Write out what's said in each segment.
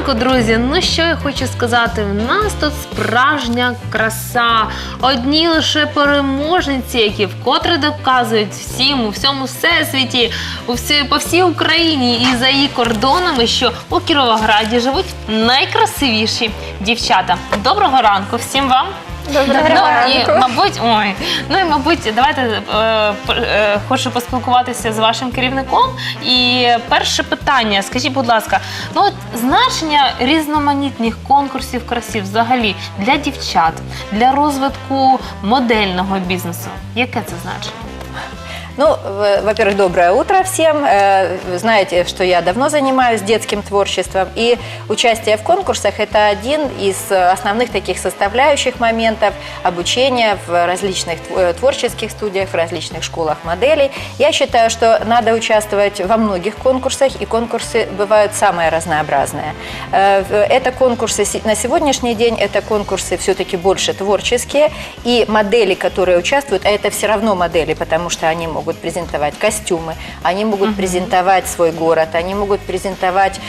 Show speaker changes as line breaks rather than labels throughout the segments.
ранку, друзі! Ну що я хочу сказати, в нас тут справжня краса. Одні лише переможниці, які вкотре доказують всім, у всьому всесвіті, по всій Україні і за її кордонами, що у Кіровограді живуть найкрасивіші дівчата. Доброго ранку всім вам!
Доброго ранку.
Мабуть, давайте хочу поспілкуватися з вашим керівником. І перше питання, скажіть, будь ласка, значення різноманітних конкурсів краси взагалі для дівчат, для розвитку модельного бізнесу, яке це значення?
Ну, во-первых, доброе утро всем. Вы знаете, что я давно занимаюсь детским творчеством, и участие в конкурсах – это один из основных таких составляющих моментов обучения в различных творческих студиях, в различных школах моделей. Я считаю, что надо участвовать во многих конкурсах, и конкурсы бывают самые разнообразные. Это конкурсы на сегодняшний день, это конкурсы все-таки больше творческие, и модели, которые участвуют, а это все равно модели, потому что они могут презентовать костюмы, они могут презентовать свой город, они могут презентовать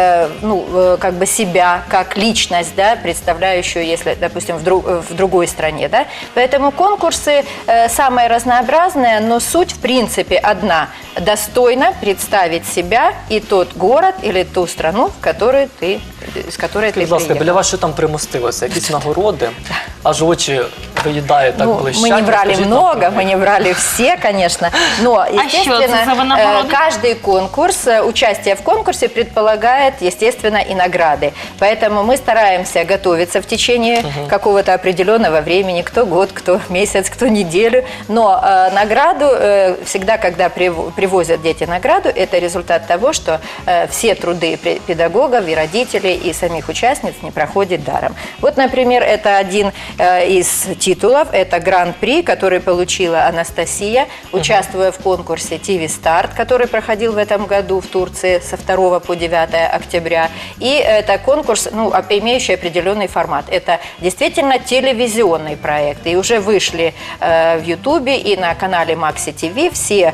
как бы себя как личность, да, представляющую, если, допустим, в другой стране. Да? Поэтому конкурсы самые разнообразные, но суть в принципе одна – достойно представить себя и тот город или ту страну, в которой ты, из которой ты приехал.
Біля вас що там примостилося? Якісь нагороди? Аж очі виїдає, так блищать.
Мы не брали много, мы не брали все, конечно. Но, естественно, каждый конкурс, участие в конкурсе предполагает, естественно, и награды. Поэтому мы стараемся готовиться в течение какого-то определенного времени, кто год, кто месяц, кто неделю. Но награду, всегда, когда привозят дети награду, это результат того, что все труды педагогов и родителей, и самих участниц не проходят даром. Вот, например, это один из титулов, это гран-при, который получила Анастасия, участвуя в конкурсе TV Start, который проходил в этом году в Турции со 2 по 9 октября. И это конкурс, имеющий определенный формат. Это действительно телевизионный проект. И уже вышли в Ютубе и на канале Maxi TV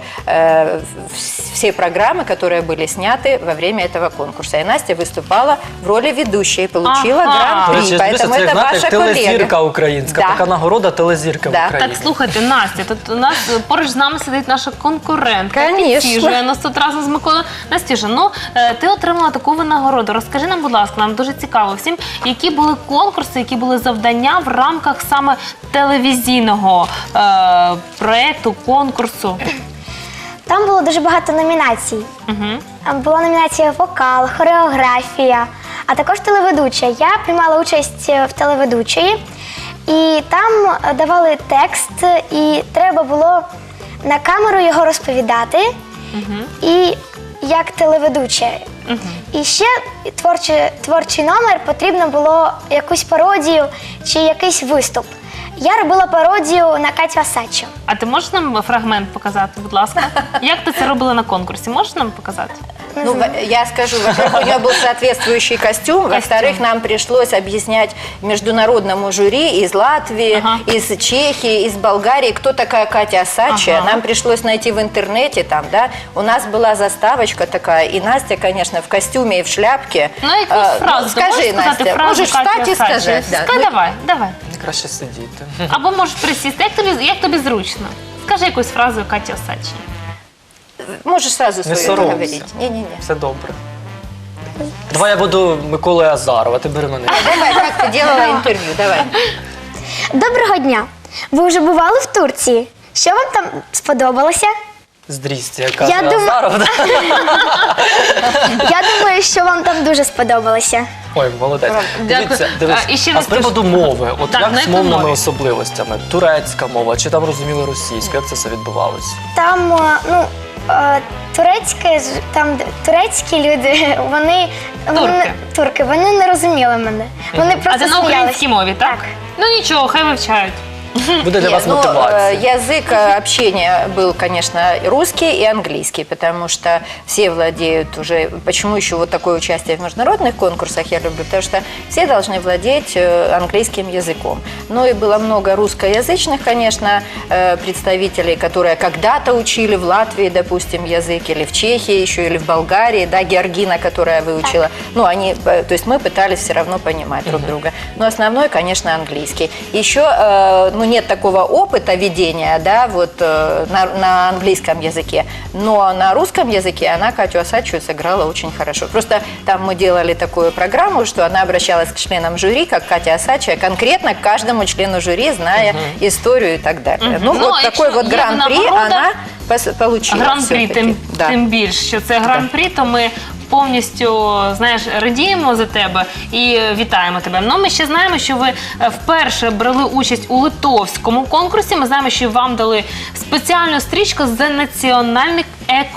все программы, которые были сняты во время этого конкурса. И Настя выступала в роли ведущей, получила гран-при.
Поэтому это ваша телезірка українська, така нагорода телезірка України.
Так, слухайте, Настя, тут у нас поруч з нами сидить наша конкурентка.
Конечно.
Нас тут разом з Миколою. Настюша, ти отримала таку винагороду. Розкажи нам, будь ласка, нам дуже цікаво всім, які були конкурси, які були завдання в рамках саме телевізійного проєкту, конкурсу.
Там було дуже багато номінацій. Була номінація «Вокал», «Хореографія», а також телеведуча. Я приймала участь в телеведучої, і там давали текст, і треба було на камеру його розповідати, і як телеведуча. І ще творчий номер, потрібно було якусь пародію чи якийсь виступ. Я робила пародію на Катю Осадчу.
А ти можеш нам фрагмент показати, будь ласка? Як ти це робила на конкурсі? Можеш нам показати?
Я скажу, во-первых, у нее был соответствующий костюм, во-вторых, нам пришлось объяснять международному жюри из Латвии, из Чехии, из Болгарии, кто такая Катя Осадчая. Нам пришлось найти в интернете там, да. У нас была заставочка такая, и Настя, конечно, в костюме и в шляпке.
Скажи,
Настя, можешь встать и сказать.
Давай.
Краще сидіти.
Або можеш присісти. Як тобі зручно? Скажи якусь фразу Каті Осадчій.
Можешь сразу свою говорить. Не-не-не.
Все добре. Давай я буду Миколою Азарова, ти бери мене.
Давай, как ты делала интервью, давай.
Доброго дня! Ви вже бували в Турції? Що вам там сподобалося?
Здрісте, я кажу Азаров.
Я думаю, що вам там дуже сподобалося.
Ой, молодець. Дивіться, а з приводу мови, от як з мовними особливостями? Турецька мова, чи там розуміли російську? Як це все відбувалося?
Там, турецькі люди, вони не розуміли мене. Вони просто
сміялися. А ти на українській мові, так?
Так.
Ну нічого, хай вивчають.
буде для вас мотивація?
Язык общения был, конечно, русский и английский, потому что все владеют уже... Почему еще вот такое участие в международных конкурсах я люблю? Потому что все должны владеть английским языком. Ну и было много русскоязычных, конечно, представителей, которые когда-то учили в Латвии, допустим, язык, или в Чехии еще, или в Болгарии, да, Георгина, которая выучила. Ну, они, то есть мы пытались все равно понимать друг друга. Но основной, конечно, английский. Еще, ну, нет такого опыта ведения, да, вот на английском языке, но на русском языке она Катю Осадчую сыграла очень хорошо. Просто там мы делали такую программу, что она обращалась к членам жюри, как Катя Осадчая, конкретно к каждому члену жюри, зная историю и так далее. Ну, вот такой вот гран-при она получила.
Гран-при, тим більш, що це гран-при, то ми повністю, знаєш, радіємо за тебе і вітаємо тебе. Ну, ми ще знаємо, що ви вперше брали участь у литовському конкурсі. Ми знаємо, що вам дали спеціальну стрічку за національний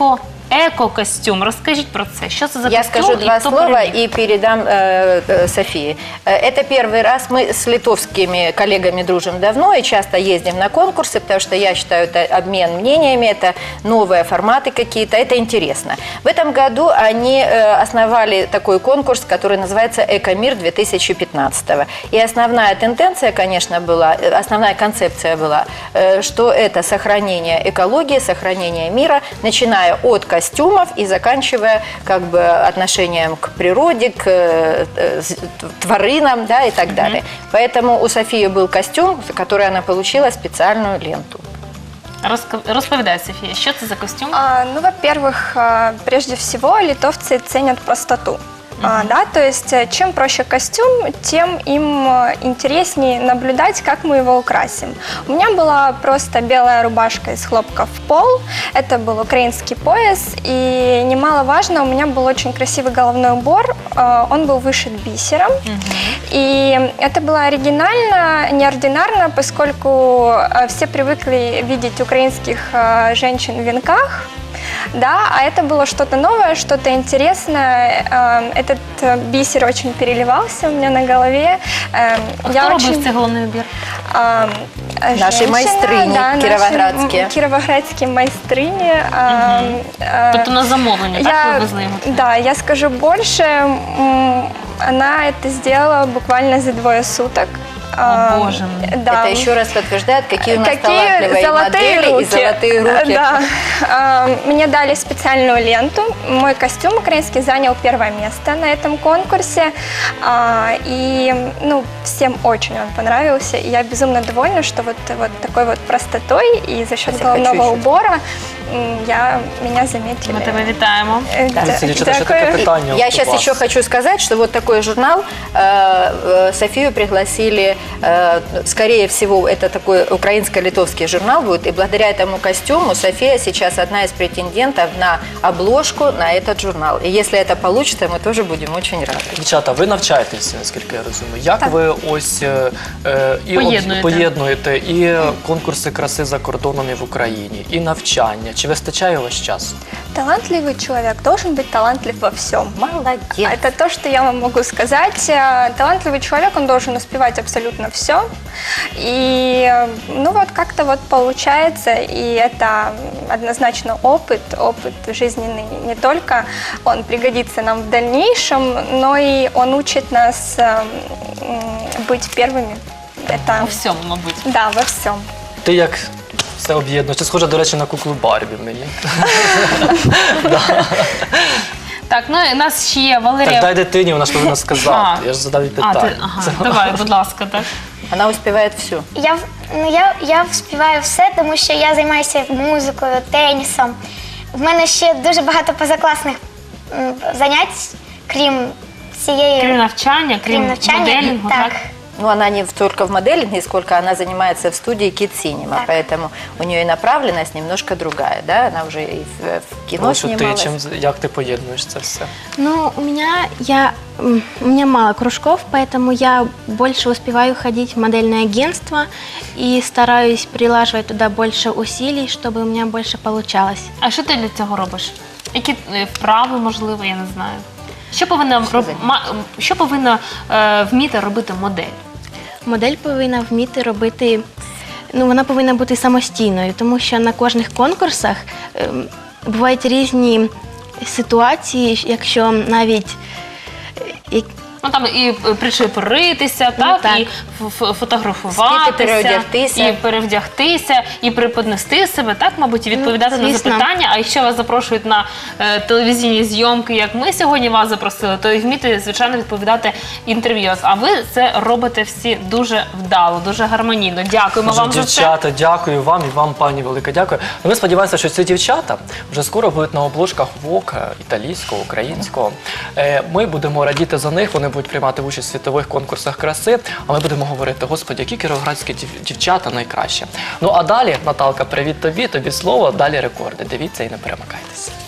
эко-костюм. Расскажите про это. Что это за костюм?
Я скажу два слова и передам Софии. Это первый раз. Мы с литовскими коллегами дружим давно и часто ездим на конкурсы, потому что я считаю, это обмен мнениями, это новые форматы какие-то, это интересно. В этом году они основали такой конкурс, который называется «Экомир 2015». И основная тенденция, конечно, была, основная концепция была, что это сохранение экологии, сохранение мира, начиная от костюмов и заканчивая как бы отношением к природе, к тваринам, да, и так далее. Поэтому у Софии был костюм, за который она получила специальную ленту.
Розповідай, София, что это за костюм?
Ну, во-первых, прежде всего, литовцы ценят простоту. Да, то есть, чем проще костюм, тем им интереснее наблюдать, как мы его украсим. У меня была просто белая рубашка из хлопка в пол, это был украинский пояс, и немаловажно, у меня был очень красивый головной убор, он был вышит бисером, и это было оригинально, неординарно, поскольку все привыкли видеть украинских женщин в венках. Да, а это было что-то новое, что-то интересное. Этот бисер очень переливался у меня на голове.
Кто робив цей головний убір?
Наши майстрині, да, кіровоградські.
Кіровоградські майстрині.
Тобто на замовлення, так, ви везли його?
Да, я скажу больше, она это сделала буквально за 2 суток.
О, боже мой.
Да. Это еще раз подтверждает, какие у нас талантливые модели руки. И золотые руки.
Да. Мне дали специальную ленту. Мой костюм украинский занял 1-е место на этом конкурсе. И ну, всем очень он понравился. И я безумно довольна, что вот такой вот простотой и за счет головного убора меня заметили.
Мы тебя вітаємо.
Я сейчас еще хочу сказать, что вот такой журнал Софию пригласили, скорее всего, это такой украинско-литовский журнал будет, и благодаря этому костюму София сейчас одна из претендентов на обложку на этот журнал. И если это получится, мы тоже будем очень рады.
Дівчата, ви навчаєтеся, наскільки я розумію. Як ви ось поєднуєте і конкурси краси за кордоном і в Україні, і навчання? Чи вистачає у вас часу?
Талантливый человек должен быть талантлив во всем.
Молодец.
Это то, что я вам могу сказать. Талантливый человек, он должен успевать абсолютно все. И ну вот как-то вот получается, и это однозначно опыт жизненный. Не только он пригодится нам в дальнейшем, но и он учит нас быть первыми.
Это... Во всем, мабуть.
Да, во всем.
Ти як все об'єднуєш? Ти схожа, до речі, на куклу Барбі мені.
Так, ну і у нас ще є Валерія.
Так дай дитині, вона ж повинна сказати. Я ж задав їй питання.
Давай, будь ласка, так.
Вона успіває все.
Я вспіваю все, тому що я займаюся музикою, тенісом. В мене ще дуже багато позакласних занять, крім цієї...
Крім навчання, крім моделінгу, так?
Ну, она не только в моделинге, сколько она занимается в студии Kids Cinema, поэтому у нее и направленность немножко другая, да, она уже и в кино снималась.
Як ти поєднуєш це все?
Ну, у меня мало кружков, поэтому я больше успеваю ходить в модельное агентство и стараюсь прилаживать туда больше усилий, чтобы у меня больше получалось.
А що ти для цього робиш? Які вправи, можливо, я не знаю? Що повинна вміти робити модель?
Модель повинна вміти робити вона повинна бути самостійною, тому що на кожних конкурсах бувають різні ситуації, якщо навіть
там і причепуритися,
так.
і фотографуватися,
переодягтися.
і перевдягтися, і преподнести себе, так, мабуть, і відповідати на
звісно.
запитання. А якщо вас запрошують на телевізійні зйомки, як ми сьогодні вас запросили, то і вміти, звичайно, відповідати інтерв'ю. А ви це робите всі дуже вдало, дуже гармонійно. Дякуємо вам за це.
Дівчата, дякую вам і вам, пані, велике дякую. Ми сподіваємося, що ці дівчата вже скоро будуть на обложках Vogue, італійського, українського. Ми будемо радіти за них, вони будуть приймати участь в світових конкурсах краси, а ми будемо говорити, господи, які кіровоградські дівчата найкраще. Ну а далі, Наталка, привіт тобі слово, далі рекорди. Дивіться і не перемикайтеся.